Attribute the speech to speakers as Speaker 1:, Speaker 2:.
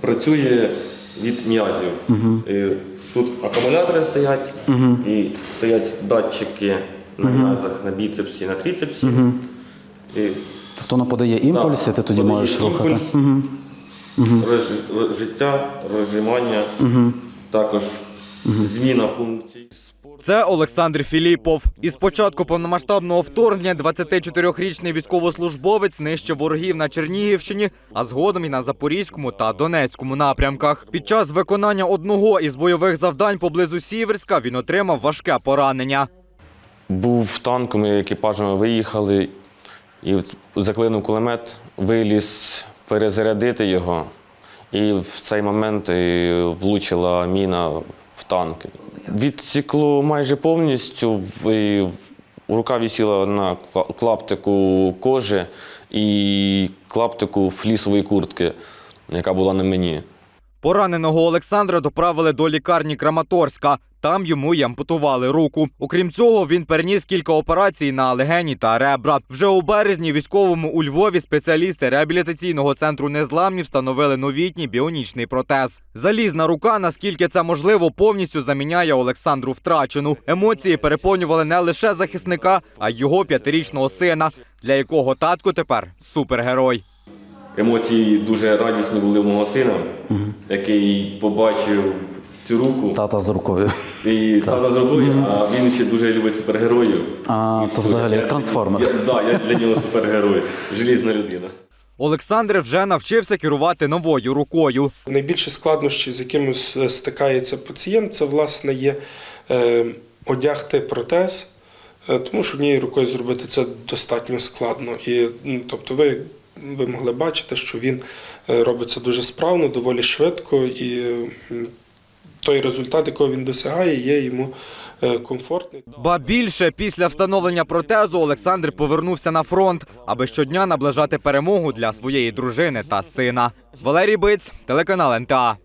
Speaker 1: працює від м'язів. Тут акумулятори стоять, і стоять датчики на м'язах, на біцепсі, на трицепсі.
Speaker 2: Тобто воно подає імпульс, і ти тоді можеш рухати.
Speaker 1: Життя, розжимання, також зміна функцій.
Speaker 3: Це Олександр Філіпов. Із початку повномасштабного вторгнення 24-річний військовослужбовець нищив ворогів на Чернігівщині, а згодом і на Запорізькому та Донецькому напрямках. Під час виконання одного із бойових завдань поблизу Сіверська він отримав важке поранення.
Speaker 4: Був танк, ми екіпажами виїхали, і заклинув кулемет, виліз перезарядити його, і в цей момент влучила міна в танк. Відсікло майже повністю, рука висіла на клаптику кожи і клаптику флісової куртки, яка була на мені.
Speaker 3: Пораненого Олександра доправили до лікарні Краматорська. Там йому й ампутували руку. Окрім цього, він переніс кілька операцій на легені та ребра. Вже у березні військовому у Львові спеціалісти реабілітаційного центру незламні встановили новітній біонічний протез. Залізна рука, наскільки це можливо, повністю заміняє Олександру втрачену. Емоції переповнювали не лише захисника, а й його 5-річного сина, для якого татко тепер супергерой.
Speaker 1: Емоції дуже радісні були у мого сина, який побачив цю руку.
Speaker 2: Тата з рукою.
Speaker 1: І тата з рукою, а він ще дуже любить супергероїв.
Speaker 2: То взагалі як трансформер.
Speaker 1: Так, я для нього супергерой, желізна людина.
Speaker 3: Олександр вже навчився керувати новою рукою.
Speaker 5: Найбільші складнощі, з якими стикається пацієнт, це, власне, є одягти протез, тому що однією рукою зробити це достатньо складно. І, тобто ви могли бачити, що він робиться дуже справно, доволі швидко, і той результат, якого він досягає, є йому комфортний.
Speaker 3: Ба більше, після встановлення протезу Олександр повернувся на фронт, аби щодня наближати перемогу для своєї дружини та сина. Валерій Биць, телеканал НТА.